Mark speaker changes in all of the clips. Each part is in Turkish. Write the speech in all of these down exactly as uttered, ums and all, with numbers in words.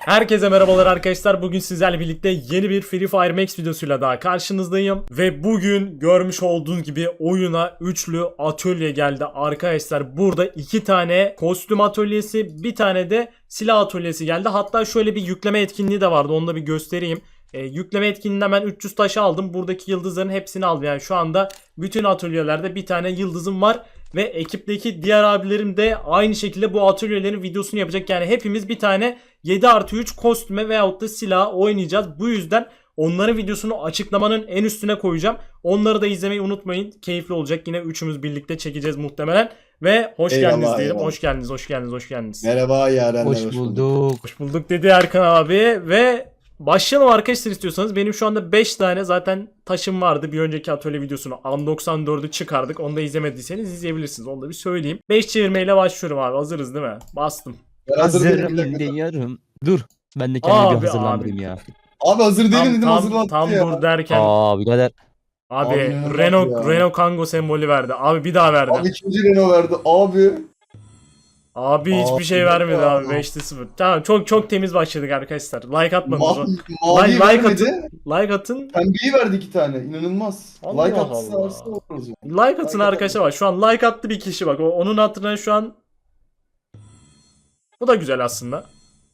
Speaker 1: Herkese merhabalar arkadaşlar. Bugün sizlerle birlikte yeni bir Free Fire Max videosuyla daha karşınızdayım. Ve bugün görmüş olduğunuz gibi oyuna üçlü atölye geldi arkadaşlar. Burada iki tane kostüm atölyesi, bir tane de silah atölyesi geldi. Hatta şöyle bir yükleme etkinliği de vardı. Onu da bir göstereyim. E, yükleme etkinliğinden ben üç yüz taşı aldım. Buradaki yıldızların hepsini aldım. Yani şu anda bütün atölyelerde bir tane yıldızım var. Ve ekipteki diğer abilerim de aynı şekilde bu atölyelerin videosunu yapacak. Yani hepimiz bir tane yedi artı üç kostüme veyahut da silah oynayacağız. Bu yüzden onların videosunu açıklamanın en üstüne koyacağım. Onları da izlemeyi unutmayın. Keyifli olacak. Yine üçümüz birlikte çekeceğiz muhtemelen. Ve hoş
Speaker 2: Eyvallah,
Speaker 1: geldiniz diyelim.
Speaker 2: eyvallah.
Speaker 1: Hoş geldiniz, hoş geldiniz, hoş geldiniz.
Speaker 2: Merhaba yarenler.
Speaker 3: Hoş bulduk.
Speaker 1: Hoş bulduk dedi Erkan abi ve başlayalım arkadaşlar istiyorsanız. Benim şu anda beş tane zaten taşım vardı. Bir önceki atölye videosunu A doksan dördü çıkardık. Onu da izlemediyseniz izleyebilirsiniz. Onu da bir söyleyeyim. beş çevirmeyle başlıyorum abi. Hazırız değil mi? Bastım.
Speaker 2: Ben hazır değilim.
Speaker 3: Hazırım
Speaker 2: bir dakika.
Speaker 3: diyorum. Dur. Ben de kendimi
Speaker 1: Abi,
Speaker 3: bir hazırlandırayım
Speaker 1: abi.
Speaker 3: ya.
Speaker 2: Abi hazır değilim
Speaker 1: Tam
Speaker 2: dedim
Speaker 1: tam,
Speaker 2: hazırlandım
Speaker 1: tam
Speaker 2: ya.
Speaker 1: dur derken
Speaker 3: Aa birader.
Speaker 1: abi,
Speaker 2: Abi ne
Speaker 1: Renault
Speaker 2: ya?
Speaker 1: Renault Kangoo sembolü verdi. Abi bir daha verdi.
Speaker 2: Abi
Speaker 1: Abi,
Speaker 2: ikinci Renault verdi abi.
Speaker 1: hiçbir
Speaker 2: Abi,
Speaker 1: şey vermedi
Speaker 2: ya.
Speaker 1: abi. beşte sıfır. Tamam, çok çok temiz başladık arkadaşlar. Like atmadınız.
Speaker 2: Ma
Speaker 1: o-
Speaker 2: mavi
Speaker 1: Like, like
Speaker 2: vermedi.
Speaker 1: atın. Like atın.
Speaker 2: Pembeyi verdi iki tane. İnanılmaz.
Speaker 1: Allah
Speaker 2: like
Speaker 1: Allah.
Speaker 2: atsa oluruz ya.
Speaker 1: Like atın
Speaker 2: Like
Speaker 1: arkadaşlar bak. Şu an like attı bir kişi bak. O, onun hatırına şu an bu da güzel aslında.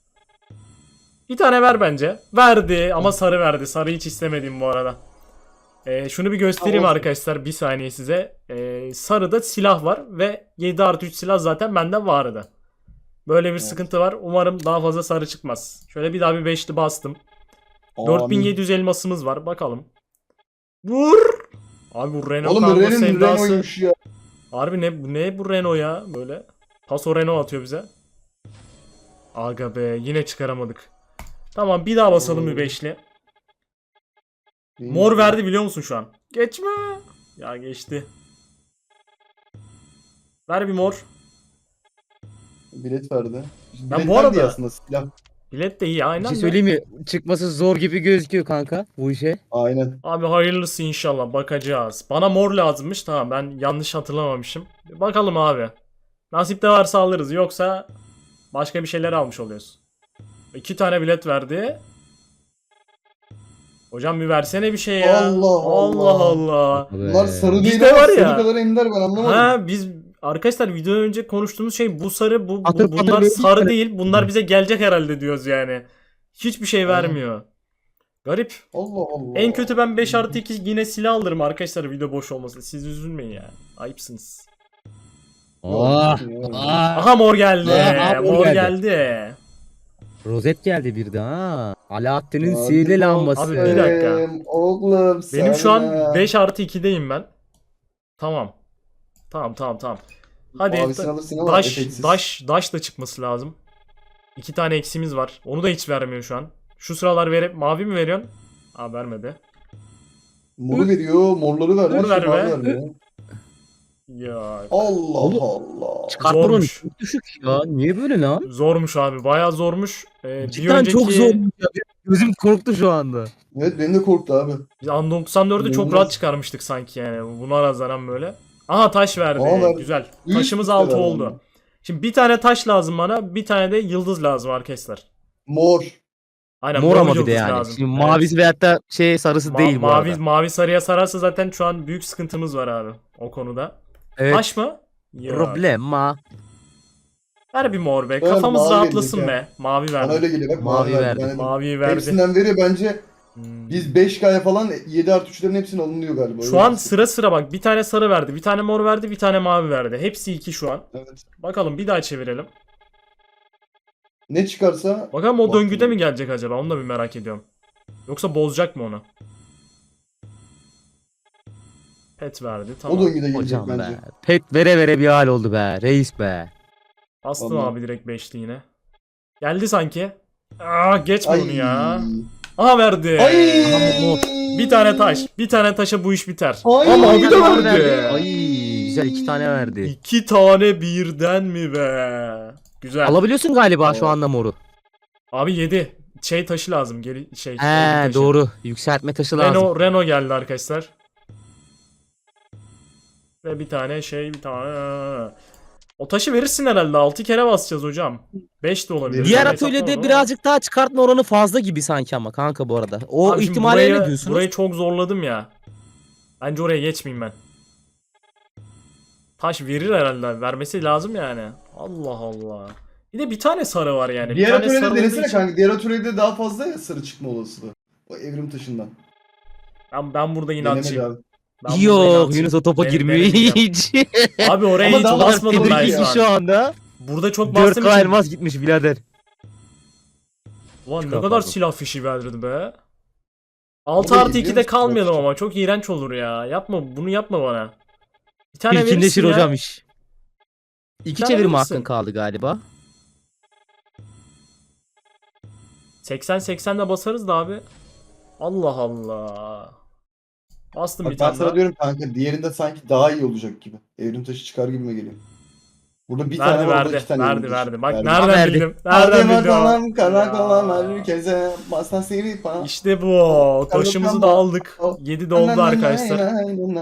Speaker 1: Bir tane ver bence. Verdi ama sarı verdi. Sarı hiç istemedim bu arada. Ee, şunu bir göstereyim
Speaker 2: Tamam.
Speaker 1: arkadaşlar bir saniye size. Ee, sarıda silah var ve yedi artı üç silah zaten bende vardı. Böyle bir
Speaker 2: Evet.
Speaker 1: sıkıntı var. Umarım daha fazla sarı çıkmaz. Şöyle bir daha bir beşli bastım.
Speaker 2: Amin.
Speaker 1: dört bin yedi yüz elmasımız var. Bakalım. Vur! Abi bu Renault
Speaker 2: Oğlum
Speaker 1: Kangoo
Speaker 2: Renault
Speaker 1: sevdası.
Speaker 2: Renault'ymuş ya.
Speaker 1: Harbi ne, ne bu Renault ya böyle. Paso Renault atıyor bize. Aga be yine çıkaramadık. Tamam bir daha basalım bir beşli. Mor verdi biliyor musun şu an? Geçme. Ya geçti. Ver bir mor.
Speaker 2: Bilet verdi.
Speaker 1: Ben
Speaker 2: Bilet
Speaker 1: bu
Speaker 2: verdi
Speaker 1: arada-
Speaker 2: ya aslında silah.
Speaker 1: Bilet de iyi
Speaker 3: Bir
Speaker 1: aynen
Speaker 3: şey
Speaker 1: de.
Speaker 3: söyleyeyim mi? Çıkması zor gibi gözüküyor kanka bu işe.
Speaker 2: Aynen.
Speaker 1: Abi hayırlısı inşallah bakacağız. Bana mor lazımmış tamam ben yanlış hatırlamamışım. Bakalım abi. Nasip de varsa alırız yoksa başka bir şeyler almış oluyoruz. İki tane bilet verdi. Hocam bir versene bir şey ya.
Speaker 2: Allah Allah.
Speaker 1: Allah Allah.
Speaker 2: Bunlar sarı değil
Speaker 1: Bizde
Speaker 2: ama
Speaker 1: var
Speaker 2: sarı
Speaker 1: ya.
Speaker 2: kadar ender ben anlamadım.
Speaker 1: Ha biz arkadaşlar videodan önce konuştuğumuz şey bu sarı bu, bu-
Speaker 3: Patır patır
Speaker 1: bunlar
Speaker 3: böyle
Speaker 1: sarı
Speaker 3: bir-
Speaker 1: değil bunlar bize gelecek herhalde diyoruz yani. Hiçbir şey
Speaker 2: Aynen.
Speaker 1: vermiyor. Garip.
Speaker 2: Allah Allah.
Speaker 1: En kötü ben beş artı iki yine silah alırım arkadaşlar video boş olmasın. Siz üzülmeyin ya. Ayıpsınız.
Speaker 3: Aa,
Speaker 2: Yok,
Speaker 3: aa.
Speaker 1: Aha mor geldi.
Speaker 3: Aha, mor
Speaker 1: mor
Speaker 3: geldi.
Speaker 1: geldi.
Speaker 3: Rozet geldi bir de ha. Alaaddin'in
Speaker 2: Hadi
Speaker 3: sihirli lambası.
Speaker 1: Abi bir dakika.
Speaker 2: bakayım, Oğlum
Speaker 1: Benim şu an
Speaker 2: sana.
Speaker 1: beş artı ikideyim ben. Tamam. Tamam tamam tamam. Hadi
Speaker 2: Mavisini
Speaker 1: da-
Speaker 2: alırsın ama
Speaker 1: daş,
Speaker 2: efektsiz.
Speaker 1: daş, daş da çıkması lazım. İki tane eksimiz var. Onu da hiç vermiyor şu an. Şu sıralar verip mavi mi veriyorsun? Aa vermedi.
Speaker 2: Moru veriyor, morları vermiyor.
Speaker 1: Mor ver
Speaker 2: mavi
Speaker 1: be.
Speaker 2: vermiyor.
Speaker 1: Ya
Speaker 2: Allah
Speaker 3: Oğlum.
Speaker 2: Allah.
Speaker 3: Çıkart buranı.
Speaker 1: zormuş.
Speaker 3: Çok düşük ya. Niye böyle lan?
Speaker 1: Zormuş abi. Bayağı zormuş. Ee, bir
Speaker 3: Cidden
Speaker 1: önceki
Speaker 3: çok zor ya. Gözüm korktu şu anda.
Speaker 2: Evet benim de korktu abi.
Speaker 1: biz A doksan dördü çok
Speaker 2: İnanılmaz.
Speaker 1: rahat çıkarmıştık sanki yani. Buna nazaran böyle. Aha taş verdi.
Speaker 2: Aa, verdi.
Speaker 1: Güzel.
Speaker 2: Üst
Speaker 1: Taşımız
Speaker 2: üste
Speaker 1: altı
Speaker 2: verdi
Speaker 1: oldu.
Speaker 2: ama.
Speaker 1: Şimdi bir tane taş lazım bana. Bir tane de yıldız lazım arkadaşlar.
Speaker 2: Mor.
Speaker 1: Aynen
Speaker 3: Mor ama bir
Speaker 1: yıldız
Speaker 3: de yani.
Speaker 1: lazım.
Speaker 3: Şimdi
Speaker 1: Evet.
Speaker 3: mavisi veyahut da şey sarısı
Speaker 1: Ma-
Speaker 3: değil bu
Speaker 1: mavi,
Speaker 3: arada.
Speaker 1: mavi sarıya sararsa zaten şu an büyük sıkıntımız var abi. O konuda.
Speaker 3: Evet.
Speaker 1: Taş mı? Ya.
Speaker 3: Problema.
Speaker 1: Ver bir mor be.
Speaker 2: Ben
Speaker 1: Kafamız
Speaker 2: mavi
Speaker 1: rahatlasın
Speaker 2: vereceğim.
Speaker 1: be. Mavi
Speaker 2: Bana
Speaker 1: verdi.
Speaker 2: öyle geliyor bak.
Speaker 3: Mavi verdi.
Speaker 2: Yani
Speaker 1: Maviyi verdi.
Speaker 2: hepsinden veriyor bence.
Speaker 1: Hmm.
Speaker 2: Biz beş K'ya falan yedi artı üçlerin hepsini alınıyor galiba.
Speaker 1: Şu
Speaker 2: Öyle
Speaker 1: an
Speaker 2: bir-
Speaker 1: sıra sıra bak. Bir tane sarı verdi. Bir tane mor verdi. Bir tane mavi verdi. Hepsi iki şu an.
Speaker 2: Evet.
Speaker 1: Bakalım bir daha çevirelim.
Speaker 2: Ne çıkarsa
Speaker 1: Bakalım o
Speaker 2: Bak-
Speaker 1: döngüde mi gelecek acaba? Onu da bir merak ediyorum. Yoksa bozacak mı onu? Pet verdi.
Speaker 2: o
Speaker 1: Tamam.
Speaker 2: döngüde gelecek
Speaker 3: Hocam
Speaker 2: bence.
Speaker 3: be. Pet vere vere bir hal oldu be. Reis be.
Speaker 1: Bastım
Speaker 2: Vallahi.
Speaker 1: abi direkt beşli yine. Geldi sanki. Aa geçme onu
Speaker 2: Ay.
Speaker 1: ya. Aha verdi.
Speaker 2: Ay.
Speaker 3: Aha, mor.
Speaker 1: Bir tane taş. Bir tane taşa bu iş biter.
Speaker 2: Ay.
Speaker 1: Ama abi de
Speaker 3: Mor
Speaker 1: verdi.
Speaker 3: Ay güzel iki tane verdi.
Speaker 1: İki tane birden mi be? Güzel.
Speaker 3: Alabiliyorsun galiba şu anda moru.
Speaker 1: Abi yedi. Şey taşı lazım. Geri şey. olgu
Speaker 3: He
Speaker 1: taşı.
Speaker 3: doğru. Yükseltme taşı lazım.
Speaker 1: Renault, Renault geldi arkadaşlar. Ve bir tane şey bir tane. O taşı verirsin herhalde. altı kere basacağız hocam. beş de olabilir.
Speaker 3: Diğer
Speaker 1: Ben
Speaker 3: atölyede
Speaker 1: hesaplamadım ama.
Speaker 3: birazcık daha çıkartma oranı fazla gibi sanki ama kanka bu arada. O
Speaker 1: Abi şimdi
Speaker 3: ihtimale
Speaker 1: burayı,
Speaker 3: ne diyorsunuz?
Speaker 1: burayı çok zorladım ya. Bence oraya geçmeyeyim ben. Taş verir herhalde. Vermesi lazım yani. Allah Allah. Bir de bir tane sarı var yani. Bir
Speaker 2: Diğer
Speaker 1: tane
Speaker 2: atölyede
Speaker 1: sarı olduğu
Speaker 2: denesene
Speaker 1: için-
Speaker 2: kanka. Diğer atölyede daha fazla ya sarı çıkma olasılığı. O evrim taşından.
Speaker 1: Ben, ben burada
Speaker 2: Denemedi
Speaker 1: inatçıyım.
Speaker 2: abi.
Speaker 1: Ben burada
Speaker 3: Yok
Speaker 1: inatçıyım.
Speaker 3: Yunus o topa
Speaker 1: Den-
Speaker 3: girmiyor
Speaker 1: denemeyeceğim.
Speaker 3: hiç.
Speaker 1: Abi oraya
Speaker 2: Ama
Speaker 1: hiç
Speaker 2: daha
Speaker 1: basmadım ben
Speaker 2: tedirgin
Speaker 1: şu
Speaker 3: Tedirgin
Speaker 1: an.
Speaker 3: şu anda.
Speaker 1: Burada çok
Speaker 3: dört
Speaker 1: bastım
Speaker 3: K
Speaker 1: için.
Speaker 3: elmas gitmiş birader.
Speaker 1: Ulan ne
Speaker 3: Çıkar
Speaker 1: kadar
Speaker 3: pardon.
Speaker 1: silah fişi verdirdi be. altı
Speaker 2: Ama
Speaker 1: artı
Speaker 2: izliyor
Speaker 1: ikide
Speaker 2: musun?
Speaker 1: kalmayalım
Speaker 2: Bak.
Speaker 1: ama çok iğrenç olur ya. Yapma bunu yapma bana. Bir tane
Speaker 3: İlkinleşir
Speaker 1: verirsin ya.
Speaker 3: hocam iş. İki
Speaker 1: tane
Speaker 3: çevirme
Speaker 1: verirsin.
Speaker 3: hakkın kaldı galiba.
Speaker 1: seksen seksen de basarız da abi. Allah Allah. Bastım
Speaker 2: Bak
Speaker 1: bir
Speaker 2: ben
Speaker 1: tane
Speaker 2: sana
Speaker 1: daha.
Speaker 2: diyorum kanka diğerinde sanki daha iyi olacak gibi. Evrim taşı çıkar gibime geliyor. Burada bir
Speaker 1: Verdi
Speaker 2: tane var, orada
Speaker 1: verdi.
Speaker 2: iki tane
Speaker 1: Verdi
Speaker 2: evrim taşı.
Speaker 1: verdi. Bak
Speaker 2: Verdi.
Speaker 1: nereden
Speaker 3: Verdi.
Speaker 1: bildim?
Speaker 2: Hadi
Speaker 1: Nereden bildim?
Speaker 2: bakalım karakola
Speaker 1: Ya.
Speaker 2: herkese basta seni pa.
Speaker 1: İşte bu. Taşımızı da aldık. yedi de oldu arkadaşlar.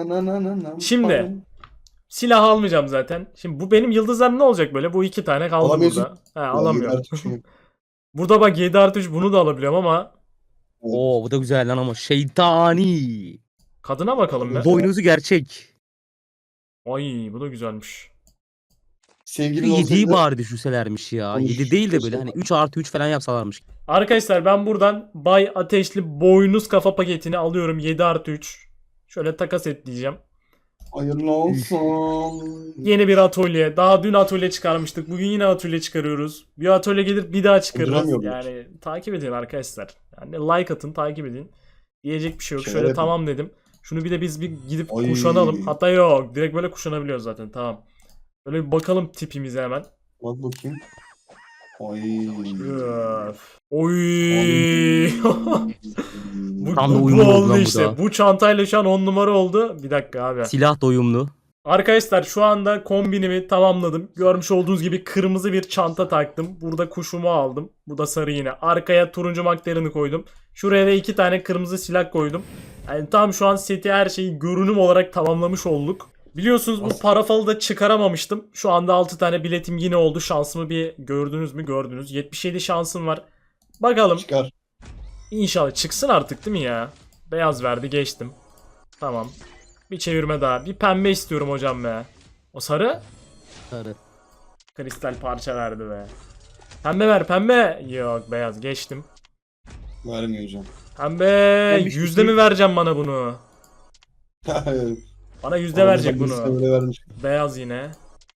Speaker 1: Şimdi. Silah almayacağım zaten. Şimdi bu benim yıldızlarım ne olacak böyle? Bu iki tane kaldı
Speaker 2: Alamıyorsun.
Speaker 1: burada. He alamıyorum.
Speaker 2: Alamıyorum.
Speaker 1: Burada bak yedi artı üç bunu da alabiliyorum ama
Speaker 3: Oo bu da güzel lan ama şeytani.
Speaker 1: kadına bakalım be.
Speaker 3: Boynuzu gerçek.
Speaker 1: Ay bu da güzelmiş.
Speaker 2: Sevgilin
Speaker 3: yediyi
Speaker 2: olsaydı
Speaker 3: bari düşürselermiş ya.
Speaker 2: Konuş-
Speaker 3: yedi değil de böyle
Speaker 2: konuş-
Speaker 3: hani üç artı üç falan yapsalarmış.
Speaker 1: Arkadaşlar ben buradan Bay Ateşli boynuz kafa paketini alıyorum yedi artı üç. Şöyle takas et diyeceğim.
Speaker 2: hayırlı olsun.
Speaker 1: Yeni bir atölye. Daha dün atölye çıkarmıştık. Bugün yine atölye çıkarıyoruz. Bir atölye gelir bir daha çıkarırız.
Speaker 2: Uyduramıyorum.
Speaker 1: Yani takip edin arkadaşlar. Yani like atın takip edin. Diyecek bir şey yok.
Speaker 2: Şeyler
Speaker 1: Şöyle
Speaker 2: yapın.
Speaker 1: tamam dedim. Şunu bir de biz bir gidip
Speaker 2: Ay.
Speaker 1: kuşanalım. Hatta yok. Direkt böyle kuşanabiliyoruz zaten. Tamam. Böyle bir bakalım tipimize hemen.
Speaker 2: Bak bakayım. Ay.
Speaker 1: Öf. Oy. bu,
Speaker 3: Tam da
Speaker 1: bu, bu
Speaker 3: uyumlu oldu
Speaker 1: oldu
Speaker 3: lan bu
Speaker 1: işte.
Speaker 3: da.
Speaker 1: Bu çantayla şu an on numara oldu. Bir dakika abi.
Speaker 3: Silah da uyumlu.
Speaker 1: Arkadaşlar şu anda kombinimi tamamladım. Görmüş olduğunuz gibi kırmızı bir çanta taktım. Burada kuşumu aldım. Bu da sarı yine. Arkaya turuncu makterini koydum. Şuraya da iki tane kırmızı silah koydum. Yani tam şu an seti her şeyi görünüm olarak tamamlamış olduk. Biliyorsunuz bu parafalı da çıkaramamıştım. Şu anda altı tane biletim yine oldu. Şansımı bir gördünüz mü? Gördünüz. yetmiş yedi şansım var. Bakalım.
Speaker 2: Çıkar.
Speaker 1: İnşallah çıksın artık değil mi ya? Beyaz verdi geçtim. Tamam. Bir çevirme daha. Bir pembe istiyorum hocam be. O sarı?
Speaker 3: Sarı.
Speaker 1: Kristal parça verdi be. Pembe ver pembe. Yok beyaz geçtim.
Speaker 2: Vermiyor hocam.
Speaker 1: Pembe
Speaker 3: Demiş
Speaker 1: yüzde
Speaker 3: ki-
Speaker 1: mi vereceğim bana bunu? Bana yüzde verecek bunu.
Speaker 2: Öyle vermiş.
Speaker 1: Beyaz yine.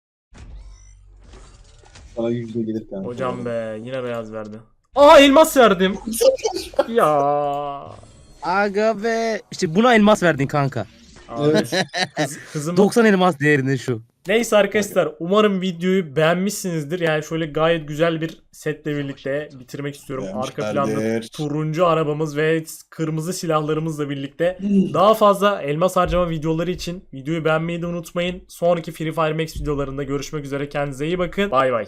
Speaker 2: Sana yüzde gelir kanka.
Speaker 1: Hocam be yine beyaz verdi. Aa elmas verdim. Ya.
Speaker 3: Aga be. İşte buna elmas verdin kanka.
Speaker 1: Abi,
Speaker 2: Evet.
Speaker 1: kız, kızım.
Speaker 3: doksan elmas değerinde şu.
Speaker 1: Neyse arkadaşlar umarım videoyu beğenmişsinizdir. Yani şöyle gayet güzel bir setle birlikte bitirmek istiyorum. Arka planda
Speaker 2: Beğenmişlerdir.
Speaker 1: turuncu arabamız ve kırmızı silahlarımızla birlikte. Daha fazla elmas harcama videoları için videoyu beğenmeyi de unutmayın. Sonraki Free Fire Max videolarında görüşmek üzere. Kendinize iyi bakın. Bay bay.